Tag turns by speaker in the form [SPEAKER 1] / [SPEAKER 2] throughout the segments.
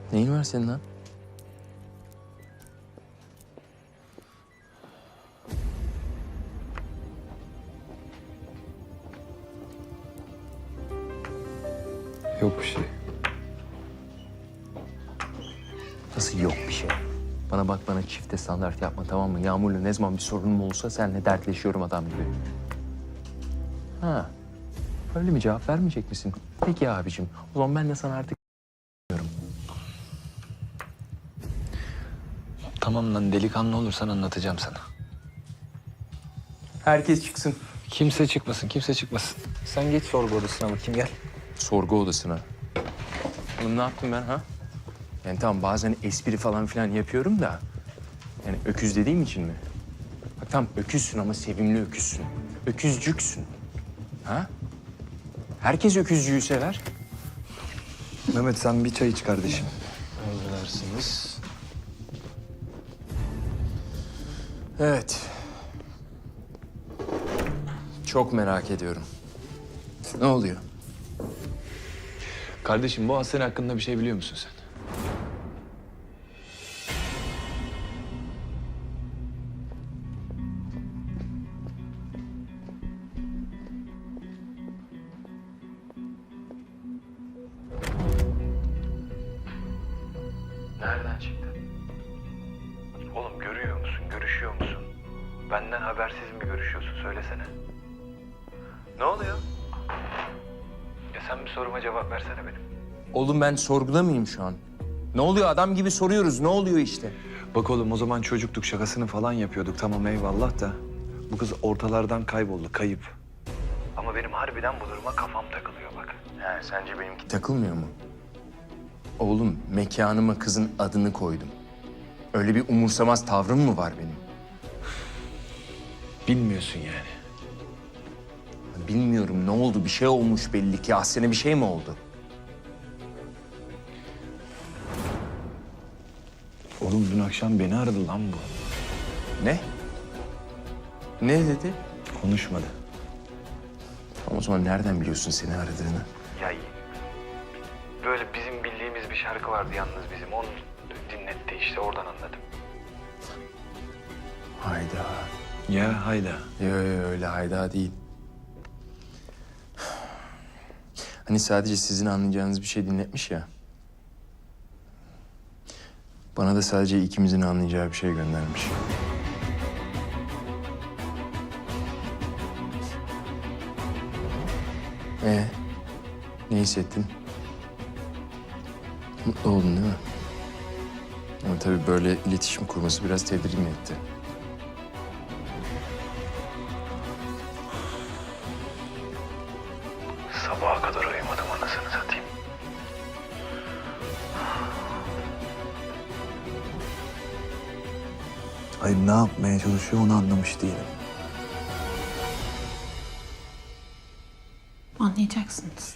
[SPEAKER 1] Neyin var senin lan?
[SPEAKER 2] Yok bir şey.
[SPEAKER 1] Nasıl yok bir şey? Bana bak, bana çifte standart yapma, tamam mı? Yağmur'la ne zaman bir sorunum olsa seninle dertleşiyorum adam gibi. Ha, öyle mi, cevap vermeyecek misin? Peki abicim, o zaman ben de sana artık diyorum.
[SPEAKER 2] Tamam lan, delikanlı olursan anlatacağım sana.
[SPEAKER 1] Herkes çıksın.
[SPEAKER 2] Kimse çıkmasın, kimse çıkmasın. Sen geç sorgu odasına bakayım, gel.
[SPEAKER 1] Sorgu odasına. Oğlum ne yaptım ben ha? Yani tamam, bazen espri falan filan yapıyorum da... Yani öküz dediğim için mi? Bak tamam, öküzsün ama sevimli öküzsün. Öküzcüksün. Ha? Herkes öküzcüğü sever.
[SPEAKER 2] Mehmet sen bir çay iç kardeşim. Emredersiniz.
[SPEAKER 1] Evet. Çok merak ediyorum. Ne oluyor?
[SPEAKER 2] Kardeşim, bu hastane hakkında bir şey biliyor musun sen?
[SPEAKER 3] Nereden çıktı? Oğlum görüyor musun, görüşüyor musun? Benden habersiz mi görüşüyorsun, söylesene. Ne oluyor? Ya sen bir soruma cevap versene benim.
[SPEAKER 1] Oğlum ben sorguda mıyım şu an? Ne oluyor? Adam gibi soruyoruz. Ne oluyor işte?
[SPEAKER 2] Bak oğlum, o zaman çocuktuk, şakasını falan yapıyorduk. Tamam eyvallah da bu kız ortalardan kayboldu, kayıp.
[SPEAKER 3] Ama benim harbiden bu duruma kafam takılıyor bak.
[SPEAKER 1] He, sence benimki takılmıyor mu? Oğlum, mekanıma kızın adını koydum. Öyle bir umursamaz tavrım mı var benim?
[SPEAKER 2] Bilmiyorsun yani.
[SPEAKER 1] Bilmiyorum, ne oldu? Bir şey olmuş belli ki. Ahsen'e bir şey mi oldu?
[SPEAKER 2] Oğlum dün akşam beni aradı lan bu.
[SPEAKER 1] Ne? Ne dedi?
[SPEAKER 2] Konuşmadı.
[SPEAKER 1] O zaman nereden biliyorsun seni aradığını?
[SPEAKER 3] Ya böyle bizim bildiğimiz bir şarkı vardı yalnız bizim. Onu dinletti işte, oradan anladım.
[SPEAKER 1] Hayda.
[SPEAKER 2] Ya hayda.
[SPEAKER 1] Yo, öyle hayda değil. Hani sadece sizin anlayacağınız bir şey dinletmiş ya. Bana da sadece ikimizin anlayacağı bir şey göndermiş. Ne hissettin? Mutlu oldun değil mi? Ama tabii böyle iletişim kurması biraz tedirgin etti.
[SPEAKER 3] Sabaha kadar uyumadım, anasını satayım.
[SPEAKER 2] Hayır, ne yapmaya çalışıyor onu anlamış değilim.
[SPEAKER 4] Anlayacaksınız.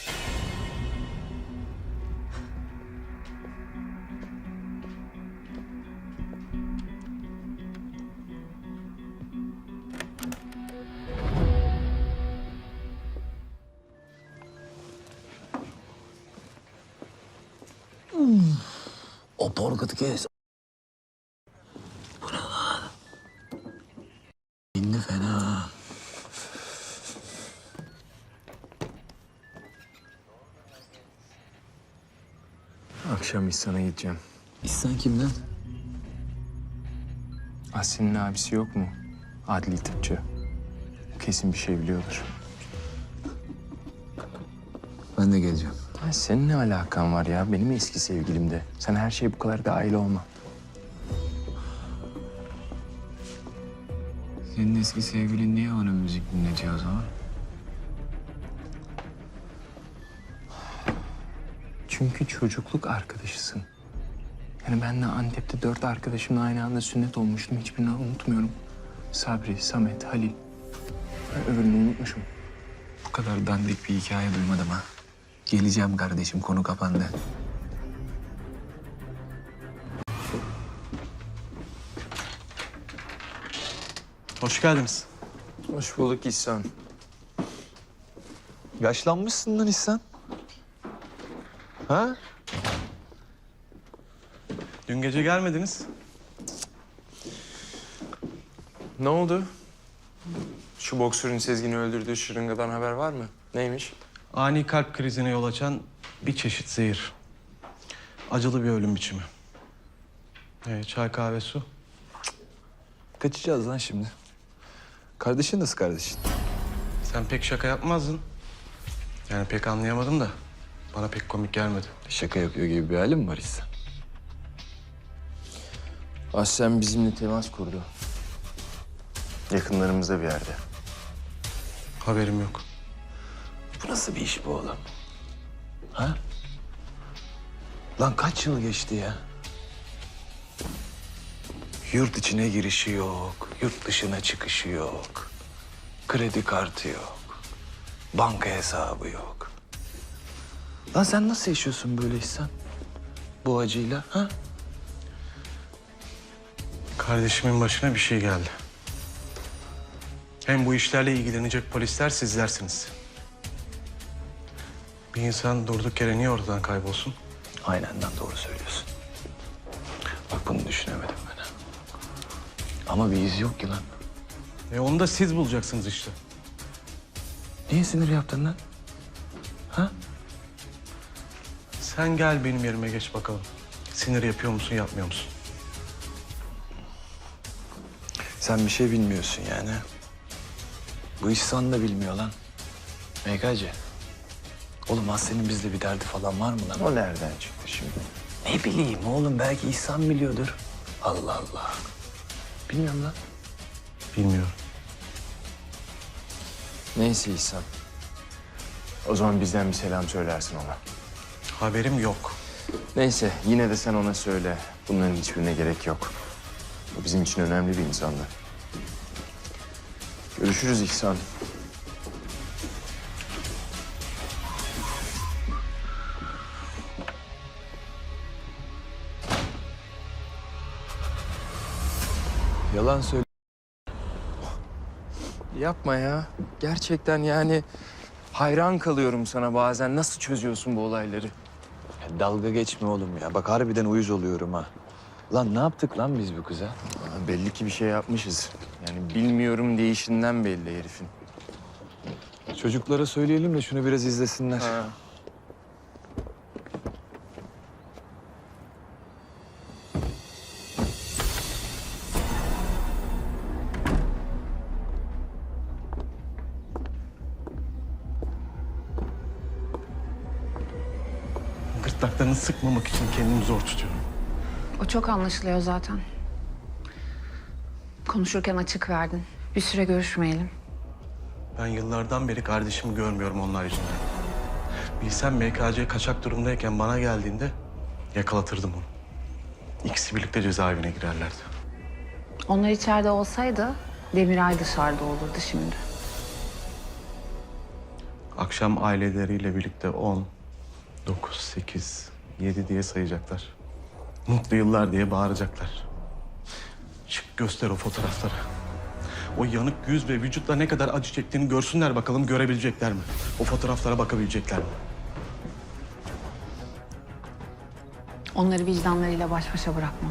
[SPEAKER 2] O porkatı kes. Bu ne lan? İndi fena.
[SPEAKER 1] Akşam İhsan'a gideceğim.
[SPEAKER 2] İhsan kimden?
[SPEAKER 1] Ahsen'in abisi yok mu? Adli tıpçı. O kesin bir şey biliyordur.
[SPEAKER 2] Ben de geleceğim.
[SPEAKER 1] Ha, senin ne alakan var ya? Benim eski sevgilim de. Sen her şeye bu kadar dahil olma.
[SPEAKER 2] Senin eski sevgilin niye onun müzik dinletiyor o zaman?
[SPEAKER 1] Çünkü çocukluk arkadaşısın. Yani ben de Antep'te 4 arkadaşımla aynı anda sünnet olmuştum. Hiçbirini unutmuyorum. Sabri, Samet, Halil. Ben öbürünü unutmuşum.
[SPEAKER 2] Bu kadar dandik bir hikaye duymadım ha. Geleceğim kardeşim, konu kapandı.
[SPEAKER 5] Hoş geldiniz.
[SPEAKER 1] Hoş bulduk İhsan.
[SPEAKER 2] Yaşlanmışsın lan İhsan. Ha?
[SPEAKER 5] Dün gece gelmediniz.
[SPEAKER 1] Ne oldu? Şu boksörün Sezgin'i öldürdüğü şırıngadan haber var mı? Neymiş?
[SPEAKER 5] Ani kalp krizine yol açan bir çeşit zehir. Acılı bir ölüm biçimi. Çay, kahve, su.
[SPEAKER 2] Kaçacağız lan şimdi. Kardeşin nasıl kardeşin?
[SPEAKER 5] Sen pek şaka yapmazdın. Yani pek anlayamadım da bana pek komik gelmedi.
[SPEAKER 2] Şaka yapıyor gibi bir halin mi var İhsan?
[SPEAKER 1] Aslen bizimle temas kurdu. Yakınlarımızda bir yerde.
[SPEAKER 5] Haberim yok.
[SPEAKER 2] Bu nasıl bir iş bu oğlum? Ha? Lan kaç yıl geçti ya? Yurt içine girişi yok, yurt dışına çıkışı yok. Kredi kartı yok, banka hesabı yok. Lan sen nasıl yaşıyorsun böyle İhsan? Bu acıyla, ha?
[SPEAKER 5] Kardeşimin başına bir şey geldi. Hem bu işlerle ilgilenecek polisler sizlersiniz. Bir insan durduk yere niye ortadan kaybolsun?
[SPEAKER 2] Aynen lan, doğru söylüyorsun. Bak bunu düşünemedim ben. Ha. Ama bir iz yok ki lan.
[SPEAKER 5] Onu da siz bulacaksınız işte.
[SPEAKER 2] Niye sinir yaptın lan? Ha?
[SPEAKER 5] Sen gel benim yerime geç bakalım. Sinir yapıyor musun, yapmıyor musun?
[SPEAKER 2] Sen bir şey bilmiyorsun yani. Bu İhsan da bilmiyor lan. MKC. Oğlum Aslı'nın bizde bir derdi falan var mı lan?
[SPEAKER 1] O nereden çıktı şimdi?
[SPEAKER 2] Ne bileyim oğlum, belki İhsan biliyordur. Allah Allah. Bilmiyorum lan.
[SPEAKER 5] Bilmiyorum.
[SPEAKER 1] Neyse İhsan. O zaman bizden bir selam söylersin ona.
[SPEAKER 5] Haberim yok.
[SPEAKER 1] Neyse yine de sen ona söyle. Bunların hiçbirine gerek yok. O bizim için önemli bir insandı. Görüşürüz İhsan.
[SPEAKER 2] Yalan söyle.
[SPEAKER 1] Yapma ya. Gerçekten yani hayran kalıyorum sana bazen. Nasıl çözüyorsun bu olayları?
[SPEAKER 2] Ya dalga geçme oğlum ya. Bak harbiden uyuz oluyorum ha. Lan ne yaptık lan biz bu kıza?
[SPEAKER 1] Aa, belli ki bir şey yapmışız. Yani bilmiyorum değişinden belli herifin.
[SPEAKER 2] Çocuklara söyleyelim de şunu biraz izlesinler.
[SPEAKER 1] Ha.
[SPEAKER 5] Gırtlaklarını sıkmamak için kendimi zor tutuyorum.
[SPEAKER 4] O çok anlaşılıyor zaten. Konuşurken açık verdin. Bir süre görüşmeyelim.
[SPEAKER 5] Ben yıllardan beri kardeşimi görmüyorum onlar yüzünden. Bilsem MKC kaçak durumdayken bana geldiğinde yakalatırdım onu. İkisi birlikte cezaevine girerlerdi.
[SPEAKER 4] Onlar içeride olsaydı Demiray dışarıda olurdu şimdi.
[SPEAKER 5] Akşam aileleriyle birlikte 10, 9, 8, 7 diye sayacaklar. Mutlu yıllar diye bağıracaklar. Çık göster o fotoğrafları. O yanık yüz ve vücutla ne kadar acı çektiğini görsünler bakalım, görebilecekler mi? O fotoğraflara bakabilecekler mi?
[SPEAKER 4] Onları vicdanlarıyla baş başa bırakmam.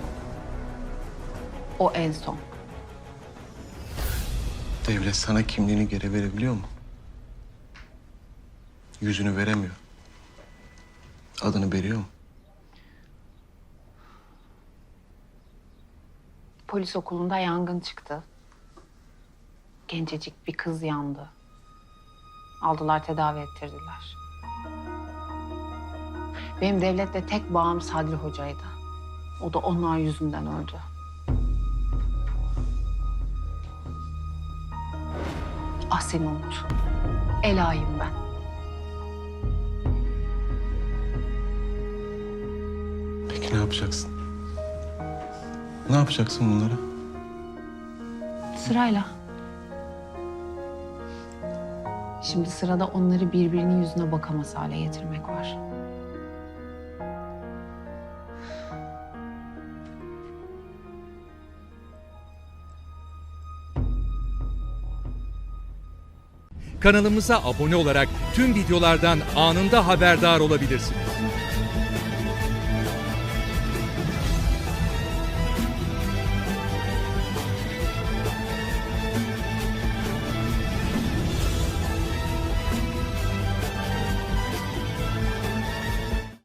[SPEAKER 4] O en son.
[SPEAKER 5] Devlet sana kimliğini geri verebiliyor mu? Yüzünü veremiyor. Adını veriyor mu?
[SPEAKER 4] Polis okulunda yangın çıktı. Gencecik bir kız yandı. Aldılar, tedavi ettirdiler. Benim devletle tek bağım Sadri Hoca'ydı. O da onlar yüzünden öldü. Seni unut. Ela'yım ben.
[SPEAKER 5] Peki ne yapacaksın? Ne yapacaksın bunları?
[SPEAKER 4] Sırayla. Şimdi sırada onları birbirinin yüzüne bakamaz hale getirmek var.
[SPEAKER 6] Kanalımıza abone olarak tüm videolardan anında haberdar olabilirsiniz.